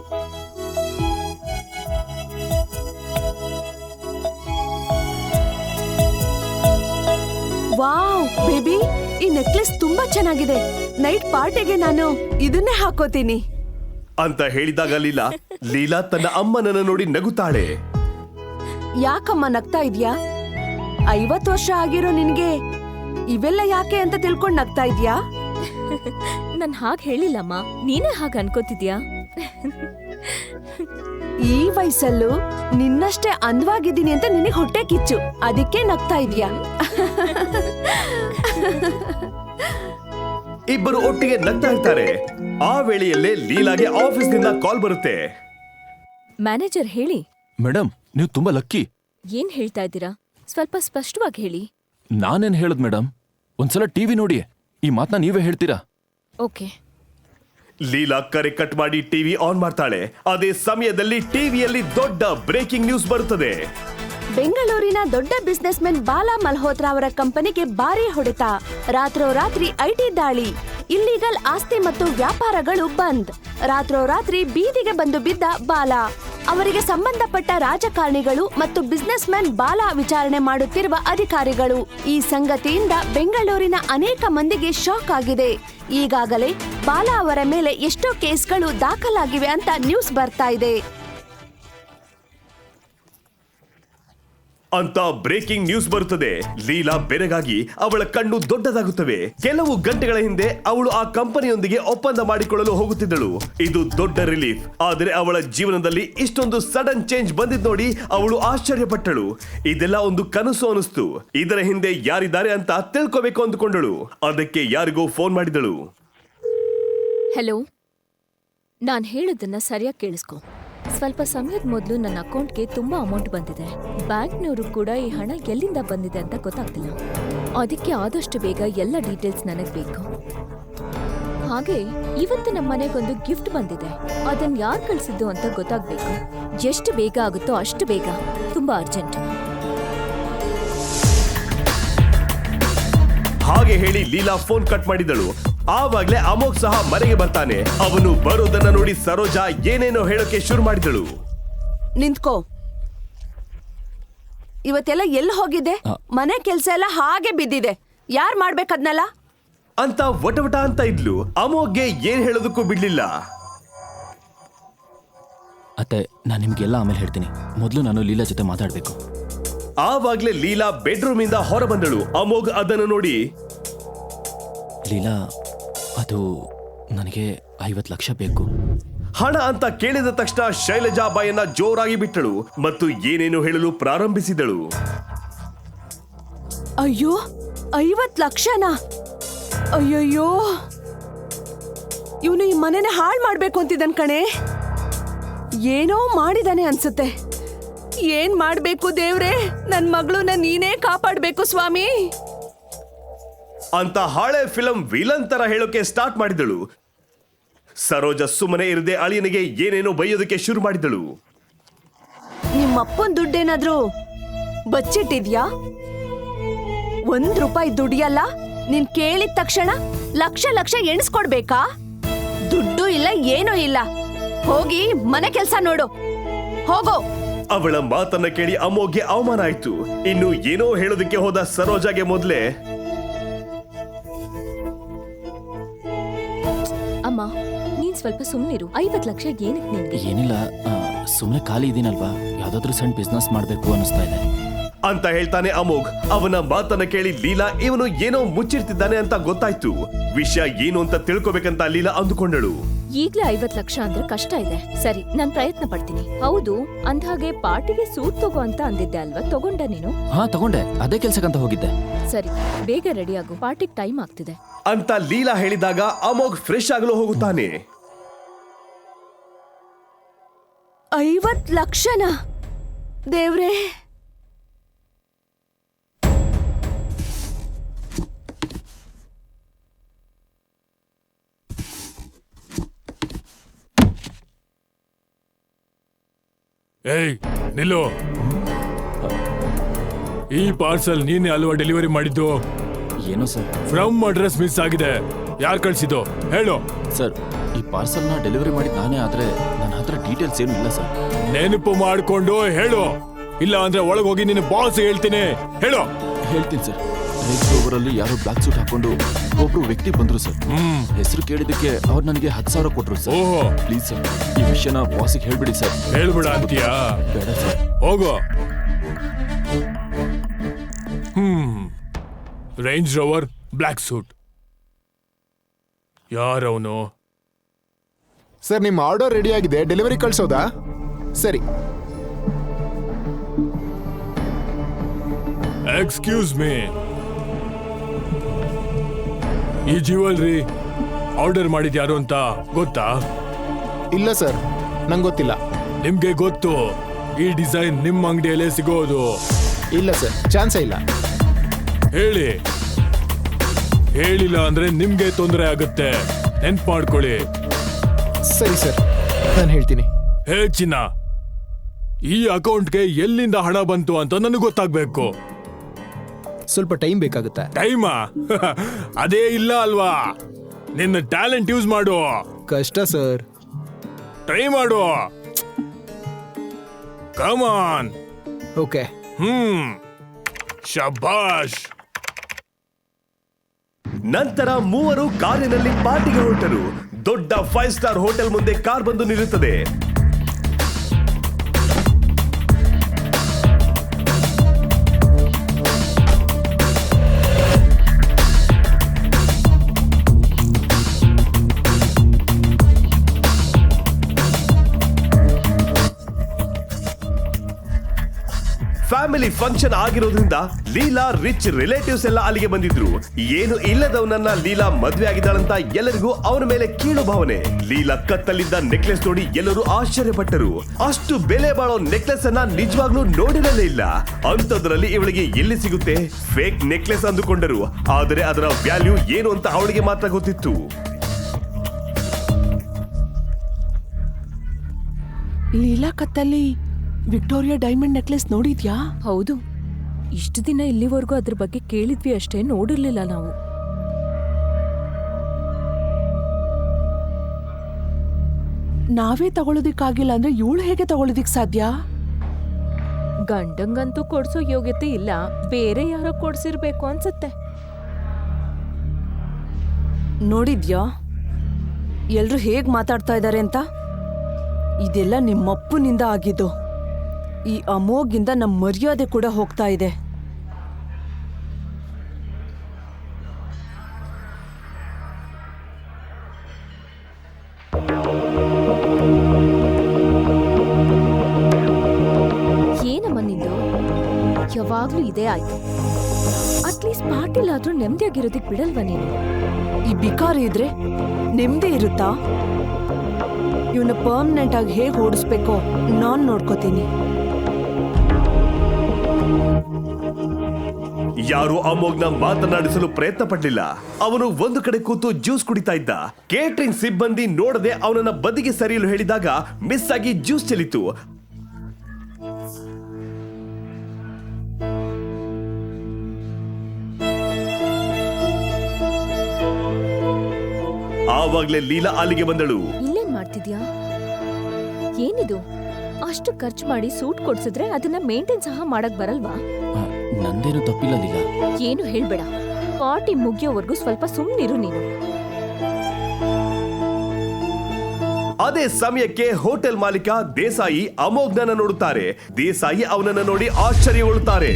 [SPEAKER 4] ವಾವ್ ಬೇಬಿ, ಈ ನೆಕ್ಲೆಸ್ ತುಂಬಾ ಚೆನ್ನಾಗಿದೆ. ನೈಟ್ ಪಾರ್ಟಿಗೆ ನಾನು ಇದನ್ನೇ ಹಾಕೋತೀನಿ
[SPEAKER 5] ಅಂತ ಹೇಳಿದಾಗ ಲೀಲಾ ಲೀಲಾ ತನ್ನ ಅಮ್ಮನನ್ನ ನೋಡಿ ನಗುತ್ತಾಳೆ.
[SPEAKER 4] ಯಾಕಮ್ಮ ನಗ್ತಾ ಇದ್ಯಾ? ಐವತ್ತು ವರ್ಷ ಆಗಿರೋ ನಿನ್ಗೆ ಇವೆಲ್ಲ ಯಾಕೆ ಅಂತ ತಿಳ್ಕೊಂಡ್ ನಗ್ತಾ ಇದ್ಯಾ?
[SPEAKER 6] ನನ್ ಹಾಗ್ ಹೇಳಿಲ್ಲಮ್ಮ, ನೀನೇ ಹಾಗ ಅನ್ಕೋತಿದ್ಯಾ?
[SPEAKER 4] ಈ ವಯಸ್ಸಲ್ಲೂ ನಿನ್ನಷ್ಟೇ ಅಂದವಾಗಿದ್ದೀನಿ ಅಂತ ನಿನಗೆ ಹೊಟ್ಟೆ ಕಿಚ್ಚು, ಅದಕ್ಕೆ ನಗ್ತಾ ಇದೀಯಾ?
[SPEAKER 5] ಇಬ್ಬರು ಒಟ್ಟಿಗೆ ನಗ್ತಾ ಇರ್ತಾರೆ. ಆ ವೇಳೆಯಲ್ಲೇ ಲೀಲಾಗೆ ಆಫೀಸ್ನಿಂದ ಕಾಲ್ ಬರುತ್ತೆ.
[SPEAKER 6] ಮ್ಯಾನೇಜರ್ ಹೇಳಿ.
[SPEAKER 2] ಮೇಡಮ್, ನೀವು ತುಂಬಾ ಲಕ್ಕಿ.
[SPEAKER 6] ಏನ್ ಹೇಳ್ತಾ ಇದ್ದೀರಾ? ಸ್ವಲ್ಪ ಸ್ಪಷ್ಟವಾಗಿ ಹೇಳಿ.
[SPEAKER 2] ನಾನೇನ್ ಹೇಳದ್ ಮೇಡಮ್, ಒಂದ್ಸಲ ಟಿವಿ ನೋಡಿ, ಈ ಮಾತನ್ನ ನೀವೇ ಹೇಳ್ತೀರಾ?
[SPEAKER 6] ಓಕೆ.
[SPEAKER 5] ಲೀಲಾ ಕರೆ ಕಟ್ ಮಾಡಿ ಟಿವಿ ಆನ್ ಮಾಡ್ತಾಳೆ. ಅದೇ ಸಮಯದಲ್ಲಿ ಟಿವಿಯಲ್ಲಿ ದೊಡ್ಡ ಬ್ರೇಕಿಂಗ್ ನ್ಯೂಸ್ ಬರುತ್ತದೆ.
[SPEAKER 4] ಬೆಂಗಳೂರಿನ ದೊಡ್ಡ ಬಿಸ್ನೆಸ್ ಮೆನ್ ಬಾಲಾ ಮಲ್ಹೋತ್ರಾ ಅವರ ಕಂಪನಿಗೆ ಭಾರಿ ಹೊಡೆತ. ರಾತ್ರೋರಾತ್ರಿ ಐಟಿ ದಾಳಿ, ಇಲ್ಲಿಗಲ್ ಆಸ್ತಿ ಮತ್ತು ವ್ಯಾಪಾರಗಳು ಬಂದ್. ರಾತ್ರೋರಾತ್ರಿ ಬೀದಿಗೆ ಬಂದು ಬಿದ್ದ ಬಾಲಾ. ಅವರಿಗೆ ಸಂಬಂಧಪಟ್ಟ ರಾಜಕಾರಣಿಗಳು ಮತ್ತು ಬಿಸ್ನೆಸ್ ಮ್ಯಾನ್ ಬಾಲಾ ವಿಚಾರಣೆ ಮಾಡುತ್ತಿರುವ ಅಧಿಕಾರಿಗಳು. ಈ ಸಂಗತಿಯಿಂದ ಬೆಂಗಳೂರಿನ ಅನೇಕ ಮಂದಿಗೆ ಶಾಕ್ ಆಗಿದೆ. ಈಗಾಗಲೇ ಬಾಲಾ ಅವರ ಮೇಲೆ ಎಷ್ಟೋ ಕೇಸ್ಗಳು ದಾಖಲಾಗಿವೆ ಅಂತ ನ್ಯೂಸ್ ಬರ್ತಾ ಇದೆ
[SPEAKER 5] ಅಂತ ಬ್ರೇಕಿಂಗ್ ನ್ಯೂಸ್ ಬರುತ್ತದೆ. ಲೀಲಾ ಬೆರಗಾಗಿ ಅವಳ ಕಣ್ಣು ದೊಡ್ಡದಾಗುತ್ತವೆ. ಕೆಲವು ಗಂಟೆಗಳ ಹಿಂದೆ ಅವಳು ಆ ಕಂಪನಿಯೊಂದಿಗೆ ಒಪ್ಪಂದ ಮಾಡಿಕೊಳ್ಳಲು ಹೋಗುತ್ತಿದ್ದಳು. ಇದು ದೊಡ್ಡ ರಿಲೀಫ್. ಆದರೆ ಅವಳ ಜೀವನದಲ್ಲಿ ಇಷ್ಟೊಂದು ಸಡನ್ ಚೇಂಜ್ ಬಂದಿದ್ ನೋಡಿ ಅವಳು ಆಶ್ಚರ್ಯಪಟ್ಟಳು. ಇದೆಲ್ಲ ಒಂದು ಕನಸು ಅನಿಸ್ತು. ಇದರ ಹಿಂದೆ ಯಾರಿದ್ದಾರೆ ಅಂತ ತಿಳ್ಕೋಬೇಕು ಅಂದುಕೊಂಡಳು. ಅದಕ್ಕೆ ಯಾರಿಗೋ ಫೋನ್ ಮಾಡಿದಳು.
[SPEAKER 6] ಹಲೋ, ನಾನ್ ಹೇಳೋದನ್ನ ಸರಿಯಾಗಿ ಕೇಳಿಸ್ಕೊ. ಸ್ವಲ್ಪ ಸಮಯದ ಮೊದಲು ನನ್ನ ಅಕೌಂಟ್ಗೆ ತುಂಬಾ ಅಮೌಂಟ್ ಬಂದಿದೆ. ಬ್ಯಾಂಕ್ನವರು ಕೂಡ ಈ ಹಣ ಎಲ್ಲಿಂದ ಬಂದಿದೆ ಅಂತ ಗೊತ್ತಾಗ್ತಿಲ್ಲ. ಅದಕ್ಕೆ ಆದಷ್ಟು ಬೇಗ ಎಲ್ಲ ಡೀಟೇಲ್ಸ್ ನನಗೆ ಬೇಕು. ಹಾಗೆ ಇವತ್ತು ನಮ್ಮ ಮನೆಗೊಂದು ಗಿಫ್ಟ್ ಬಂದಿದೆ. ಅದನ್ನ ಯಾರು ಕಳಿಸಿದ್ದು ಅಂತ ಗೊತ್ತಾಗ್ಬೇಕು. ಎಷ್ಟು ಬೇಗ ಆಗುತ್ತೋ ಅಷ್ಟು ಬೇಗ. ತುಂಬಾ ಅರ್ಜೆಂಟ್.
[SPEAKER 5] ಹಾಗೆ ಹೇಳಿ ಲೀಲಾ ಫೋನ್ ಕಟ್ ಮಾಡಿದಳು. ಆವಾಗ್ಲೇ ಅಮೋಘ್ ಸಹ ಮನೆಗೆ ಬರ್ತಾನೆ. ಅವನು ಬರೋದನ್ನ ನೋಡಿ ಸರೋಜಾ ಏನೇನೋ ಹೇಳೋಕೆ ಶುರು ಮಾಡಿದಳು.
[SPEAKER 4] ನಿಂತ್ಕೋ. ಇವತ್ತೆಲ್ಲ ಎಲ್ಲಿ ಹೋಗಿದೆ? ಮನೆ ಕೆಲ್ಸ ಎಲ್ಲ ಹಾಗೆ ಬಿದ್ದಿದೆ. ಯಾರ್ ಮಾಡ್ಬೇಕದ್ನಲ್ಲ
[SPEAKER 5] ಅಂತ ವಟವಟ ಅಂತ ಇದ್ಲು. ಅಮೋಘ್ಗೆ ಏನ್ ಹೇಳೋದಕ್ಕೂ ಬಿಡ್ಲಿಲ್ಲ.
[SPEAKER 2] ಅತ್ತೆ, ನಾನು ನಿಮ್ಗೆಲ್ಲ ಆಮೇಲೆ ಹೇಳ್ತೀನಿ. ಮೊದಲು ನಾನು ಲೀಲಾ ಜೊತೆ ಮಾತಾಡ್ಬೇಕು.
[SPEAKER 5] ಆವಾಗ್ಲೇ ಲೀಲಾ ಬೆಡ್ರೂಮ್ ಇಂದ ಹೊರ ಬಂದಳು. ಅಮೋಘ್ ಅದನ್ನು ನೋಡಿ,
[SPEAKER 2] ಲೀಲಾ, ಅದು ನನಗೆ ಐವತ್ತು ಲಕ್ಷ ಬೇಕು.
[SPEAKER 5] ಹಣ ಅಂತ ಕೇಳಿದ ತಕ್ಷಣ ಶೈಲಜಾ ಬಾಯನ್ನ ಜೋರಾಗಿ ಬಿಟ್ಟಳು ಮತ್ತು ಏನೇನು ಹೇಳಲು ಪ್ರಾರಂಭಿಸಿದಳು.
[SPEAKER 4] ಅಯ್ಯೋ, ಐವತ್ ಲಕ್ಷನಾ? ಅಯ್ಯಯ್ಯೋ, ಇವನು ಈ ಮನೆನ ಹಾಳು ಮಾಡ್ಬೇಕು ಅಂತಿದ್ದನ್ ಕಣೆ. ಏನೋ ಮಾಡಿದಾನೆ ಅನ್ಸುತ್ತೆ. ಏನ್ ಮಾಡ್ಬೇಕು ದೇವ್ರೆ? ನನ್ ಮಗಳನ್ನ ನೀನೇ ಕಾಪಾಡ್ಬೇಕು ಸ್ವಾಮಿ
[SPEAKER 5] ಅಂತ ಹಳೆ ಫಿಲಂ ವಿಲನ್ ತರ ಹೇಳೋಕೆ ಸ್ಟಾರ್ಟ್ ಮಾಡಿದಳು. ಸರೋಜ ಸುಮ್ಮನೆ ಇರದೆ ಅಳಿಯನಿಗೆ ಏನೇನೋ ಬೈಯೋದಕ್ಕೆ ಶುರು ಮಾಡಿದಳು.
[SPEAKER 4] ನಿಮ್ಮಪ್ಪನ್ ದುಡ್ಡೇನಾದ್ರೂ ಬಚ್ಚಿಟ್ಟಿದ್ಯಾ? ಒಂದ್ ರೂಪಾಯಿ ದುಡಿಯಲ್ಲ. ನೀನ್ ಕೇಳಿದ ತಕ್ಷಣ ಲಕ್ಷ ಲಕ್ಷ ಎಣಿಸ್ಕೊಡ್ಬೇಕಾ? ದುಡ್ಡು ಇಲ್ಲ, ಏನೂ ಇಲ್ಲ. ಹೋಗಿ ಮನೆ ಕೆಲ್ಸ ನೋಡು, ಹೋಗೋ.
[SPEAKER 5] ಅವಳ ಮಾತನ್ನ ಕೇಳಿ ಅಮೋಘ್ಗೆ ಅವಮಾನ ಆಯ್ತು. ಇನ್ನು ಏನೋ ಹೇಳೋದಕ್ಕೆ ಹೋದ ಸರೋಜಾಗೆ ಮೊದ್ಲೇ,
[SPEAKER 6] ಅಮ್ಮ, ನೀನ್ ಸ್ವಲ್ಪ ಸುಮ್ನಿರು. ಐವತ್ ಲಕ್ಷ ಏನಕ್ಕೆ ನಿನ್ಗೆ?
[SPEAKER 2] ಏನಿಲ್ಲ, ಸುಮ್ಮನೆ ಖಾಲಿ ಇದೀನಲ್ವಾ, ಯಾವ್ದಾದ್ರು ಸಣ್ಣ ಬಿಸ್ನೆಸ್ ಮಾಡ್ಬೇಕು ಅನಿಸ್ತಾ ಇದೆ
[SPEAKER 5] ಅಂತ ಹೇಳ್ತಾನೆ ಅಮೋಘ್. ಅವನ ಮಾತನ್ನ ಕೇಳಿ ಲೀಲಾ ಇವನು ಏನೋ ಮುಚ್ಚಿರ್ತಿದ್ದಾನೆ ಅಂತ ಗೊತ್ತಾಯ್ತು. ವಿಷಯ ಏನು ಅಂತ ತಿಳ್ಕೊಬೇಕಂತ ಲೀಲಾ ಅಂದುಕೊಂಡಳು.
[SPEAKER 6] ಈಗ್ಲೇ ಐವತ್ ಲಕ್ಷ ಅಂದ್ರೆ ಕಷ್ಟ ಇದೆ. ಸರಿ, ನಾನ್ ಪ್ರಯತ್ನ ಪಡ್ತೀನಿ. ಹೌದು, ಅಂದ್ಹಾಗೆ ಪಾರ್ಟಿಗೆ ಸೂಟ್ ತಗೋ ಅಂತ ಅಂದಿದ್ದೆ ಅಲ್ವಾ? ತಗೊಂಡ ನೀನು?
[SPEAKER 2] ಹಾ, ತಗೊಂಡೆ. ಅದೇ ಕೆಲ್ಸಕ್ಕಂತ ಹೋಗಿದ್ದೆ.
[SPEAKER 6] ಸರಿ, ಬೇಗ ರೆಡಿ ಆಗು, ಪಾರ್ಟಿಗೆ ಟೈಮ್ ಆಗ್ತಿದೆ
[SPEAKER 5] ಅಂತ ಲೀಲಾ ಹೇಳಿದಾಗ ಅಮೋಘ್ ಫ್ರೆಶ್ ಆಗಲು ಹೋಗುತ್ತಾನೆ.
[SPEAKER 4] ಐವತ್ ಲಕ್ಷನಾ? ದೇವ್ರೇ,
[SPEAKER 7] ಏಯ್ ನಿಲ್ಲು. ಈ ಪಾರ್ಸಲ್ ನೀನೇ ಅಲ್ವಾ ಡೆಲಿವರಿ ಮಾಡಿದ್ದು?
[SPEAKER 2] ಏನೋ ಸರ್,
[SPEAKER 7] ಫ್ರಮ್ ಅಡ್ರೆಸ್ ಮಿಸ್ ಆಗಿದೆ. ಯಾರು ಕಳ್ಸಿದ್ದು ಹೇಳು.
[SPEAKER 2] ಸರ್, ಈ ಪಾರ್ಸಲ್ನ ಡೆಲಿವರಿ ಮಾಡಿದ ನಾನೇ, ಆದ್ರೆ ನನ್ನ ಹತ್ರ ಡೀಟೇಲ್ಸ್ ಏನು ಇಲ್ಲ ಸರ್.
[SPEAKER 7] ನೆನಪು ಮಾಡ್ಕೊಂಡು ಹೇಳು, ಇಲ್ಲ ಅಂದ್ರೆ ಒಳಗೆ ಹೋಗಿ ನಿನ್ನ ಬಾಸ್ ಹೇಳ್ತೀನಿ. ಹೇಳು.
[SPEAKER 2] ಹೇಳ್ತೀನಿ ಸರ್. ರೇಂಜ್ ರೋವರ್ ಅಲ್ಲಿ ಯಾರೋ ಬ್ಲಾಕ್ ಸೂಟ್ ಹಾಕೊಂಡು ಒಬ್ರು ವ್ಯಕ್ತಿ ಬಂದ್ರು ಸರ್. ಹೆಸರು ಕೇಳಿದಕ್ಕೆ ಅವ್ರು ನನಗೆ ಹತ್ತು ಸಾವಿರ ಕೊಟ್ರು ಸರ್.
[SPEAKER 7] ಓಹೋ,
[SPEAKER 2] ಪ್ಲೀಸ್ ಸರ್, ಈ ವಿಷಯನ ಬಾಸಿಗೆ ಹೇಳ್ಬಿಡಿ ಸರ್.
[SPEAKER 7] ಹೇಳ್ಬಿಡ ಅಂತೀಯಾ?
[SPEAKER 2] ಬೇಡ ಸರ್.
[SPEAKER 7] ಹೋಗು. ಹ್ಮ್ ರೇಂಜ್ ರೋವರ್, ಬ್ಲಾಕ್ ಸೂಟ್. ಯಾರವನು?
[SPEAKER 3] ಸರ್, ನಿಮ್ಮ ಆರ್ಡರ್ ರೆಡಿ ಆಗಿದೆ, ಡೆಲಿವರಿ ಕಳ್ಸೋದಾ? ಸರಿ.
[SPEAKER 7] ಎಕ್ಸ್ಕ್ಯೂಸ್ ಮೀ, ಈ ಜ್ಯುವೆಲ್ರಿ ಆರ್ಡರ್ ಮಾಡಿದ್ಯಾರು ಅಂತ ಗೊತ್ತಾ?
[SPEAKER 3] ಇಲ್ಲ ಸರ್, ನಂಗೆ ಗೊತ್ತಿಲ್ಲ.
[SPEAKER 7] ನಿಮ್ಗೆ ಗೊತ್ತು ಈ ಡಿಸೈನ್ ನಿಮ್ಮ ಅಂಗಡಿಯಲ್ಲೇ ಸಿಗೋದು.
[SPEAKER 3] ಇಲ್ಲ ಸರ್, ಚಾನ್ಸೇ ಇಲ್ಲ.
[SPEAKER 7] ಹೇಳಿ. ಹೇಳಿಲ್ಲ ಅಂದ್ರೆ ನಿಮ್ಗೆ ತೊಂದರೆ ಆಗುತ್ತೆ, ನೆನ್ಪು ಮಾಡ್ಕೊಳ್ಳಿ.
[SPEAKER 3] ಸರಿ ಸರ್, ನಾನು ಹೇಳ್ತೀನಿ.
[SPEAKER 7] ಹೇ ಚಿನ್ನ, ಈ ಅಕೌಂಟ್ಗೆ ಎಲ್ಲಿಂದ ಹಣ ಬಂತು ಅಂತ ನನಗೆ ಗೊತ್ತಾಗ್ಬೇಕು.
[SPEAKER 3] ಸ್ವಲ್ಪ ಟೈಮ್ ಬೇಕಾಗುತ್ತೆ.
[SPEAKER 7] ಟೈಮಾ? ಅದೇ ಇಲ್ಲ ಅಲ್ವಾ? ನಿನ್ನ ಟ್ಯಾಲೆಂಟ್ ಯೂಸ್ ಮಾಡು.
[SPEAKER 3] ಕಷ್ಟ ಸರ್.
[SPEAKER 7] ಟ್ರೈ ಮಾಡು. ಕಮಾನ್.
[SPEAKER 3] ಓಕೆ.
[SPEAKER 7] ಹ್ಮ್, ಶಬಾಷ್.
[SPEAKER 5] ನಂತರ ಮೂವರು ಕಾರಿನಲ್ಲಿ ಪಾರ್ಟಿಗೆ ಹೊರಟರು. ದೊಡ್ಡ ಫೈವ್ ಸ್ಟಾರ್ ಹೋಟೆಲ್ ಮುಂದೆ ಕಾರ್ ಬಂದು ನಿಲ್ಲುತ್ತದೆ. ಫ್ಯಾಮಿಲಿ ಫಂಕ್ಷನ್ ಆಗಿರೋದ್ರಿಂದ ಲೀಲಾ ರಿಚ್ ರಿಲೇಟಿವ್ಸ್ ಎಲ್ಲ ಅಲ್ಲಿಗೆ ಬಂದಿದ್ರು. ಏನು ಇಲ್ಲದವನನ್ನ ಲೀಲಾ ಮದ್ವೆ ಆಗಿದ್ದಾಳಂತ ಎಲ್ಲರಿಗೂ ಅವನ ಮೇಲೆ ಕೀಳು ಭಾವನೆ. ಲೀಲಾ ಕತ್ತಲ್ಲಿದ್ದ ನೆಕ್ಲೆಸ್ ನೋಡಿ ಎಲ್ಲರೂ ಆಶ್ಚರ್ಯಪಟ್ಟರು. ಅಷ್ಟು ಬೆಲೆ ಬಾಳೋ ನೆಕ್ಲೆಸ್ ಅನ್ನ ನಿಜವಾಗ್ಲೂ ನೋಡಿರಲೇ ಇಲ್ಲ. ಅಂಥದ್ರಲ್ಲಿ ಇವಳಿಗೆ ಎಲ್ಲಿ ಸಿಗುತ್ತೆ? ಫೇಕ್ ನೆಕ್ಲೆಸ್ ಅಂದುಕೊಂಡರು. ಆದರೆ ಅದರ ವ್ಯಾಲ್ಯೂ ಏನು ಅಂತ ಅವಳಿಗೆ ಮಾತ್ರ ಗೊತ್ತಿತ್ತು.
[SPEAKER 4] ಲೀಲಾ ಕತ್ತಲ್ಲಿ ವಿಕ್ಟೋರಿಯಾ ಡೈಮಂಡ್ ನೆಕ್ಲೆಸ್ ನೋಡಿದ್ಯಾ?
[SPEAKER 6] ಹೌದು, ಇಷ್ಟು ದಿನ ಇಲ್ಲಿವರೆಗೂ ಅದ್ರ ಬಗ್ಗೆ ಕೇಳಿದ್ವಿ ಅಷ್ಟೇ, ನೋಡಿರ್ಲಿಲ್ಲ ನಾವು.
[SPEAKER 4] ನಾವೇ ತಗೊಳ್ಳೋದಿಕ್ಕಾಗಿಲ್ಲ ಅಂದ್ರೆ ಇವಳು ಹೇಗೆ ತಗೊಳ್ಳೋದಿಕ್ ಸಾಧ್ಯ?
[SPEAKER 6] ಗಂಡಂಗಂತೂ ಕೊಡ್ಸೋ ಯೋಗ್ಯತೆ ಇಲ್ಲ, ಬೇರೆ ಯಾರೋ ಕೊಡ್ಸಿರ್ಬೇಕು ಅನ್ಸತ್ತೆ.
[SPEAKER 4] ನೋಡಿದ್ಯಾ ಎಲ್ರು ಹೇಗ್ ಮಾತಾಡ್ತಾ ಇದ್ದಾರೆ ಅಂತ? ಇದೆಲ್ಲ ನಿಮ್ಮಪ್ಪನಿಂದ ಆಗಿದ್ದು. ಈ ಅಮೋಗಿಂದ ನಮ್ಮ ಮರ್ಯಾದೆ ಕೂಡ ಹೋಗ್ತಾ ಇದೆ.
[SPEAKER 6] ಏನಮ್ಮ ನಿಂದು? ಯಾವಾಗ್ಲೂ ಇದೇ ಆಯ್ತು. ಅಟ್ಲೀಸ್ಟ್ ಪಾರ್ಟಿಲಾದ್ರೂ ನೆಮ್ಮದಿಯಾಗಿರೋದಕ್ ಬಿಡಲ್ವಾ ನೀನು?
[SPEAKER 4] ಈ ಬಿಕಾರಿ ಇದ್ರೆ ನೆಮ್ಮದಿ ಇರುತ್ತಾ? ಇವನ್ನ ಪರ್ಮನೆಂಟ್ ಆಗಿ ಹೇಗೆ ಓಡಿಸ್ಬೇಕೋ ನಾನ್ ನೋಡ್ಕೋತೀನಿ.
[SPEAKER 5] ಯಾರು ಅಮೋಘ್ನ ಮಾತನಾಡಿಸಲು ಪ್ರಯತ್ನ ಪಡಲಿಲ್ಲ. ಅವನು ಒಂದು ಕಡೆ ಕೂತು ಜ್ಯೂಸ್ ಕುಡಿತಾ ಇದ್ದ. ಕೇಟರಿಂಗ್ ಸಿಬ್ಬಂದಿ ನೋಡದೆ ಅವನನ್ನ ಬದಿಗೆ ಸರಿಯಲು ಹೇಳಿದಾಗ ಮಿಸ್ ಆಗಿ ಜ್ಯೂಸ್ ಚೆಲ್ಲಿತು. ಆವಾಗ್ಲೇ ಲೀಲಾ ಅಲ್ಲಿಗೆ ಬಂದಳು.
[SPEAKER 6] ಇಲ್ಲೇನ್ ಮಾಡ್ತಿದ್ಯಾ? ಏನಿದು? ಅಷ್ಟು ಖರ್ಚು ಮಾಡಿ ಸೂಟ್ ಕೊಡ್ಸಿದ್ರೆ ಅದನ್ನ ಮೇಂಟೈನ್ ಸಹ ಮಾಡಕ್ ಬರಲ್ವಾ?
[SPEAKER 2] ನಂದೇನು ತಪ್ಪಿಲ್ಲ ಲೀಲಾ.
[SPEAKER 6] ಏನು ಹೇಳ್ಬೇಡ. ಪಾರ್ಟಿ ಮುಗಿಯೋವರೆಗೂ ಸ್ವಲ್ಪ ಸುಮ್ಮನಿರು ನೀನು.
[SPEAKER 5] ಅದೇ ಸಮಯಕ್ಕೆ ಹೋಟೆಲ್ ಮಾಲೀಕ ದೇಸಾಯಿ ಅಮೋಘ್ನನ್ನ ನೋಡುತ್ತಾರೆ. ದೇಸಾಯಿ ಅವನನ್ನ ನೋಡಿ ಆಶ್ಚರ್ಯಗೊಳ್ಳುತ್ತಾರೆ.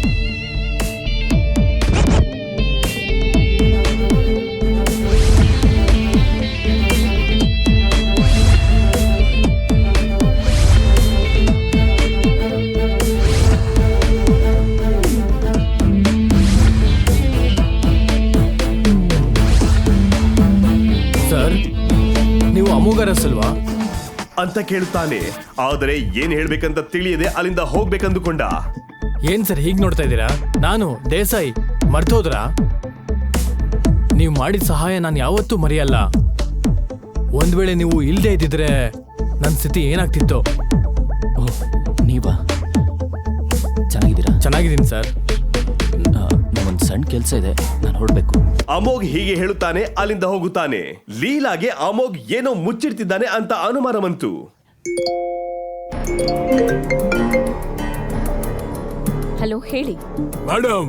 [SPEAKER 7] ಅಮೋಘರಸಲ್ವಾ
[SPEAKER 5] ಅಂತ ಕೇಳುತ್ತಾನೆ. ಆದರೆ ಏನ್ ಹೇಳ್ಬೇಕಂತ ತಿಳಿಯದೆ ಅಲ್ಲಿಂದ ಹೋಗ್ಬೇಕಂದುಕೊಂಡ.
[SPEAKER 7] ಏನ್ ಸರ್ ಹೀಗ್ ನೋಡ್ತಾ ಇದ್ದೀರಾ? ನಾನು ದೇಸಾಯಿ, ಮರ್ತೋದ್ರಾ? ನೀವು ಮಾಡಿದ ಸಹಾಯ ನಾನು ಯಾವತ್ತೂ ಮರೆಯಲ್ಲ. ಒಂದ್ ವೇಳೆ ನೀವು ಇಲ್ಲದೆ ಇದ್ದಿದ್ರೆ ನನ್ನ ಸ್ಥಿತಿ ಏನಾಗ್ತಿತ್ತು?
[SPEAKER 2] ಓಹ್, ನೀವಾ? ಚೆನ್ನಾಗಿದ್ದೀರಾ?
[SPEAKER 7] ಚೆನ್ನಾಗಿದ್ದೀನಿ ಸರ್.
[SPEAKER 2] ಒಂದು ಸಣ್ಣ ಕೆಲಸ ಇದೆ, ನಾನು ಹೊರಡ್ಬೇಕು.
[SPEAKER 5] ಅಮೋಘ್ ಹೀಗೆ ಹೇಳುತ್ತಾನೆ, ಅಲ್ಲಿಂದ ಹೋಗುತ್ತಾನೆ. ಲೀಲಾಗೆ ಅಮೋಘ್ ಏನೋ ಮುಚ್ಚಿಡ್ತಿದ್ದಾನೆ ಅಂತ ಅನುಮಾನ ಬಂತು.
[SPEAKER 6] ಹಲೋ, ಹೇಳಿ.
[SPEAKER 7] ಮೇಡಮ್,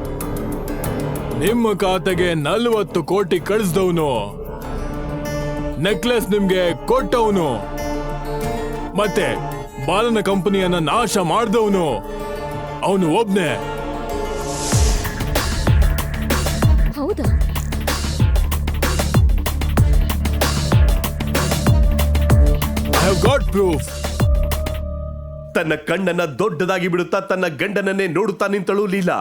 [SPEAKER 7] ನಿಮ್ಮ ಖಾತೆಗೆ ನಲ್ವತ್ತು ಕೋಟಿ ಕಳಿಸ್ದವನು, ನೆಕ್ಲೆಸ್ ನಿಮ್ಗೆ ಕೊಟ್ಟವನು, ಮತ್ತೆ ಬಾಲನ ಕಂಪನಿಯನ್ನ ನಾಶ ಮಾಡಿದವನು ಅವನು ಒಬ್ನೇ.
[SPEAKER 6] ಹೌದಾ?
[SPEAKER 7] I have got proof.
[SPEAKER 5] ತನ್ನ ಕಣ್ಣನ್ನ ದೊಡ್ಡದಾಗಿ ಬಿಡುತ್ತಾ ತನ್ನ ಗಂಡನನ್ನೇ ನೋಡುತ್ತಾ ನಿಂತಳು ಲೀಲಾ.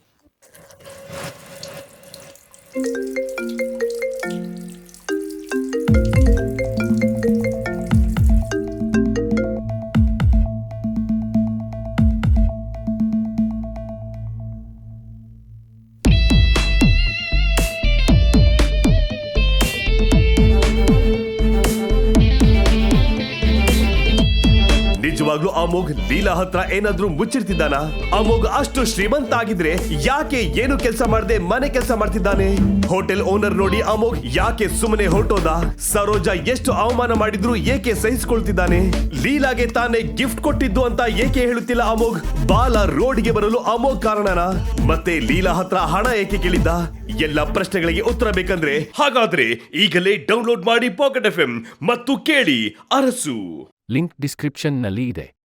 [SPEAKER 5] ನಿಜವಾಗ್ಲೂ ಅಮೋಘ್ ಲೀಲಾ ಹತ್ರ ಏನಾದ್ರೂ ಮುಚ್ಚಿಡ್ತಿದ್ದಾನ? ಅಮೋಘ್ ಅಷ್ಟು ಶ್ರೀಮಂತ ಆಗಿದ್ರೆ ಯಾಕೆ ಏನು ಕೆಲಸ ಮಾಡದೆ ಮನೆ ಕೆಲಸ ಮಾಡ್ತಿದ್ದಾನೆ? ಹೋಟೆಲ್ ಓನರ್ ನೋಡಿ ಅಮೋಘ್ ಯಾಕೆ ಸುಮ್ಮನೆ ಹೊರಟೋದ? ಸರೋಜಾ ಎಷ್ಟು ಅವಮಾನ ಮಾಡಿದ್ರು ಏಕೆ ಸಹಿಸಿಕೊಳ್ತಿದ್ದಾನೆ? ಲೀಲಾಗೆ ತಾನೇ ಗಿಫ್ಟ್ ಕೊಟ್ಟಿದ್ದು ಅಂತ ಏಕೆ ಹೇಳುತ್ತಿಲ್ಲ ಅಮೋಘ್? ಬಾಲ ರೋಡ್ಗೆ ಬರಲು ಅಮೋಘ್ ಕಾರಣನಾ? ಮತ್ತೆ ಲೀಲಾ ಹತ್ರ ಹಣ ಏಕೆ ಕೇಳಿದ್ದ? ಎಲ್ಲ ಪ್ರಶ್ನೆಗಳಿಗೆ ಉತ್ತರ ಬೇಕಂದ್ರೆ ಹಾಗಾದ್ರೆ ಈಗಲೇ ಡೌನ್ಲೋಡ್ ಮಾಡಿ ಪಾಕೆಟ್ ಎಫ್ ಎಂ ಮತ್ತು ಕೇಳಿ ಅರಸು.
[SPEAKER 8] ಲಿಂಕ್ ಡಿಸ್ಕ್ರಿಪ್ಷನ್ನಲ್ಲಿ ಇದೆ.